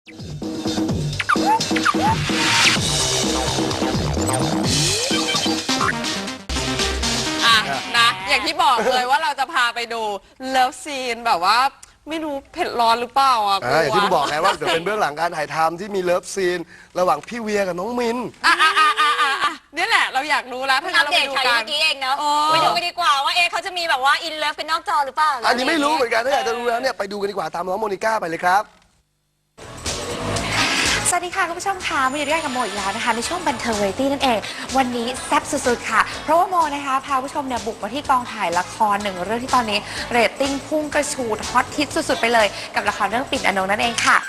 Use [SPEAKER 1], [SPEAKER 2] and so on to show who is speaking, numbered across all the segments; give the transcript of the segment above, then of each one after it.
[SPEAKER 1] นะอย่างที่บอกเลยว่าเราจะพาไปดูเลิฟซีนแบบว่าไม่รู้เผ็ดร้อนหรือเปล่าอ่ะ
[SPEAKER 2] อย่างที่ผมบอกไงว่าเดี๋ยวเป็นเบื้องหลังการถ่ายทำที่มีเลิฟซีนระหว่างพี่เวียกับน้องมิน
[SPEAKER 1] นี่แหละเราอยากรู้แล้วถ้างั้นเราไปดูกัน
[SPEAKER 3] เมื่อกี้เองเนาะไปดูกันดีกว่าว่าเขาจะมีแบบว่าอินเลิฟเป็นนอกจอหรือเปล่า
[SPEAKER 2] อันนี้ไม่รู้เหมือนกันถ้าอยากจะรู้แล้วเนี่ยไปดูกันดีกว่าตามน้องโมนิก้าไปเลยครับ
[SPEAKER 4] สวัสดีค่ะคุณผู้ชมค่ะมาอยู่ด้วยกับโมอีกแล้วนะคะในช่วงบันเทิงวาไรตี้นั่นเองวันนี้แซ่บสุดๆค่ะเพราะว่าโมนะคะพาผู้ชมเนี่ยบุกมาที่กองถ่ายละครหนึ่งเรื่องที่ตอนนี้เรตติ้งพุ่งกระฉูดฮอตฮิตสุดๆไปเลยกับละครเรื่องปิ่นอนงค์นั่นเองค่ะ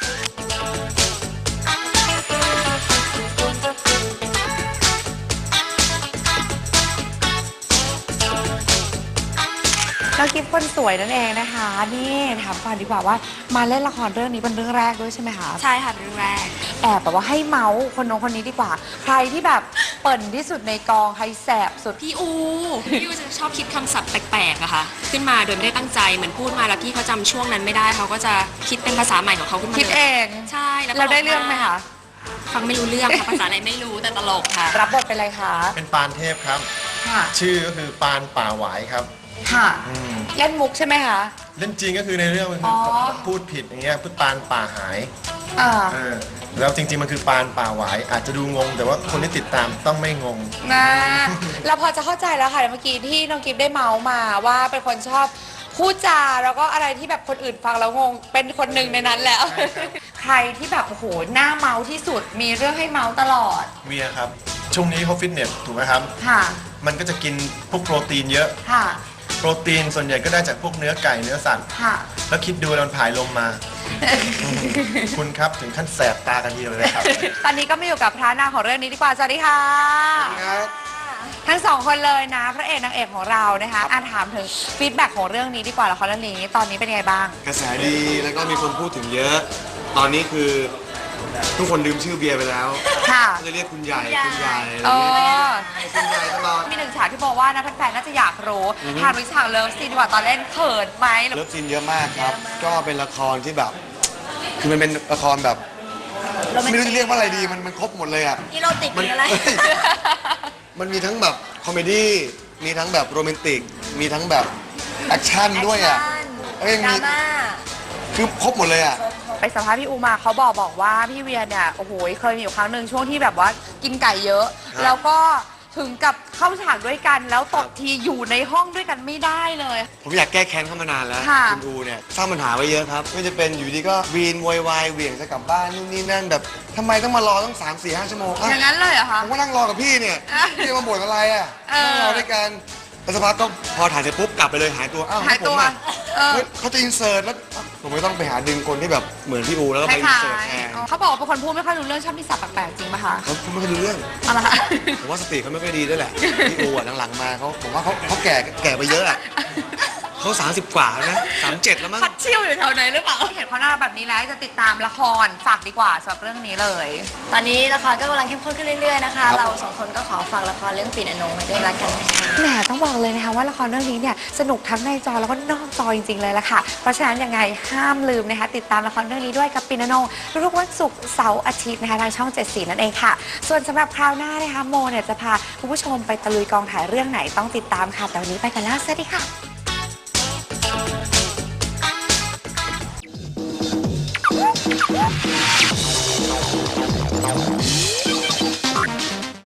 [SPEAKER 4] น้องกิฟต์คนสวยนั่นเองนะคะนี่ถามก่อนดีกว่าว่ามาเล่นละครเรื่องนี้เป็นเรื่องแรกด้วยใช่ไหมคะ
[SPEAKER 3] ใช่ค่ะเป็นเรื่องแรก
[SPEAKER 4] แอบแบบว่าให้เมาส์คนน้องคนนี้ดีกว่าใครที่แบบเปิ่นที่สุดในกองใครแสบสุด
[SPEAKER 5] พี่อูจะชอบคิดคำศัพท์แปลกๆอะค่ะขึ้นมาโดยไม่ได้ตั้งใจเหมือนพูดมาแล้วพี่เขาจำช่วงนั้นไม่ได้เขาก็จะคิดเป็นภาษาใหม่ของเขาขึ้นมา
[SPEAKER 4] คิดเอง
[SPEAKER 5] ใช่แล้ว
[SPEAKER 4] เราได้เรื่องไหมคะ
[SPEAKER 5] ฟังไม่รู้เรื่องค่ะภาษาอะไรไม่รู้แต่ตลกค่ะ
[SPEAKER 4] รับบทเป็นอะไรคะ
[SPEAKER 6] เป็นปานเทพครับ
[SPEAKER 4] ค่ะ
[SPEAKER 6] ชื่อก็คือปานป่าหวายครับ
[SPEAKER 4] ค่ะเล่นมุกใช่ไหมคะ
[SPEAKER 6] เล่นจริงก็คือในเรื่องมันคือพูดผิดอย่างเงี้ยพูดปานป่าหายแล้วจริงๆมันคือปานป่าหวายอาจจะดูงงแต่ว่าคนที่ติดตามต้องไม่งง
[SPEAKER 4] นะเราพอจะเข้าใจแล้วค่ะเมื่อกี้ที่น้องกิฟได้เมาส์มาว่าเป็นคนชอบพูดจาแล้วก็อะไรที่แบบคนอื่นฟังแล้วงงเป็นคนหนึ่งในนั้นแล้วใครที่แบบโอ้โหหน้าเมาที่สุดมีเรื่องให้เมาตลอด
[SPEAKER 6] เวียครับช่วงนี้เขาฟิตเนสถูกไหมครับ
[SPEAKER 4] ค่ะ
[SPEAKER 6] มันก็จะกินพวกโปรตีนเยอะ
[SPEAKER 4] ค่ะ
[SPEAKER 6] โปรตีนส่วนใหญ่ก็ได้จากพวกเนื้อไก่เนื้อสัตว์แล้วคิดดูแล้วมันผายลมมาคุณครับถึงขั้นแสบตากันทีเดียวเลยครับ
[SPEAKER 4] ตอนนี้ก็มาอยู่กับพระนางของเรื่องนี้ดีกว่าสวัสดีค่ะทั้งสองคนเลยนะพระเอกนางเอกของเรานะคะถามถึงฟีดแบ็กของเรื่องนี้ดีกว่าละครเรื่องนี้ตอนนี้เป็นไงบ้าง
[SPEAKER 7] กระแสดีแล้วก็มีคนพูดถึงเยอะตอนนี้คือทุกคนลืมชื่อเบียร์ไปแล้ว
[SPEAKER 4] ค่ะ
[SPEAKER 7] จะเรียกคุณใหญ่คุณใหญ่
[SPEAKER 4] คุณใหญ่ตลอดมีหนึ่งฉากที่บอกว่านะแฟนๆน่าจะอยากรู้ถามถึงฉากเลิฟซีนดีกว่าตอนเล่นเขินไหม
[SPEAKER 7] เลิฟซีนเยอะมากครับก็เป็นละครที่แบบคือมันเป็นละครแบบไม่รู้จะเรียกว่าอะไรดีมันครบหมดเลยอ่ะ
[SPEAKER 3] อีโรติกมันอะไร
[SPEAKER 7] มันมีทั้งแบบคอมเมดี้มีทั้งแบบโรแมนติกมีทั้งแบบแอคชั่นด้วยอ่ะ
[SPEAKER 3] ดราม่า
[SPEAKER 7] คือครบหมดเลยอ่ะ
[SPEAKER 4] ไปสัมภาษณ์พี่อูมาเขาบอกว่าพี่เวียเนี่ยโอ้โหเคยมีอยู่ครั้งหนึ่งช่วงที่แบบว่ากินไก่เยอะแล้วก็ถึงกับเข้าฉากด้วยกันแล้วตบทีอยู่ในห้องด้วยกันไม่ได้เลย
[SPEAKER 7] ผมอยากแก้แค้นเข้ามานานแล้วคุณอูเนี่ยสร้างปัญหาไว้เยอะครับไม่จะเป็นอยู่ดีก็วีนวอยวายเหวี่ยงจะกลับบ้านนู่นนี่นั่นแบบทำไมต้องมารอต้อง3-4-5 ชั่วโมง
[SPEAKER 4] อย่างนั้นเลยเหรอคะ
[SPEAKER 7] ผมก็นั่งรอกับพี่เนี่ยพี่มาบ่นอะไรอ่ะนั่งรอด้วยกันแล้วสักพักก็พอถ่ายเสร็จปุ๊บกลับไปเลยหายตัว
[SPEAKER 4] หายตัว
[SPEAKER 7] เขาจะอินเสิร์ตแล้วผมไม่ต้องไปหาดึงคนที่แบบเหมือนพี่อูแล้วก็ไปอินเสิร์ตแทน
[SPEAKER 4] เขาบอกว่าเป็นคนพูดไม่ค่อยรู้เรื่องชอบมีศัพท์แปลกๆจริงป่ะคะ
[SPEAKER 7] เขาพูดไม่ค่อยรู้เรื่อง
[SPEAKER 4] อะไรคะ
[SPEAKER 7] ผมว่าสติเขาไม่ค่อยดีด้วยแหละพี่อูหลังๆมาผมว่าเขาแก่ไปเยอะอ่ะเขา30 กว่านะ37แล้วมั้ง
[SPEAKER 4] พัดเชี่ยวอยู่แถวไหนหรือเปล่าเห็นเขาหน้าแบบนี้แล้วจะติดตามละครฝากดีกว่าสำหรับเรื่องนี้เลย
[SPEAKER 3] ตอนนี้ละครก็กำลังเข้มข้นขึ้นเรื่อยๆนะคะเรา2 คนก็ขอฝากละครเรื่องปิ่นอนงค์ไว้ด้วยละกันนะคะ
[SPEAKER 4] แหมต้องบอกเลยนะคะว่าละครเรื่องนี้เนี่ยสนุกทั้งในจอแล้วก็นอกจอจริงๆเลยละค่ะเพราะฉะนั้นยังไงห้ามลืมนะคะติดตามละครเรื่องนี้ด้วยกับปิ่นอนงค์ทุกวันศุกร์เสาร์อาทิตย์นะคะทางช่อง7 สีนั่นเองค่ะส่วนสำหรับคราวหน้านะคะโมเนี่ยจะพาคุณผู้ชมไปตะลุยกองถ่ายเรื่องไหนต้องติดตามค่ะแต่วันนี้ไปกันแล้วสวัสดีค่ะ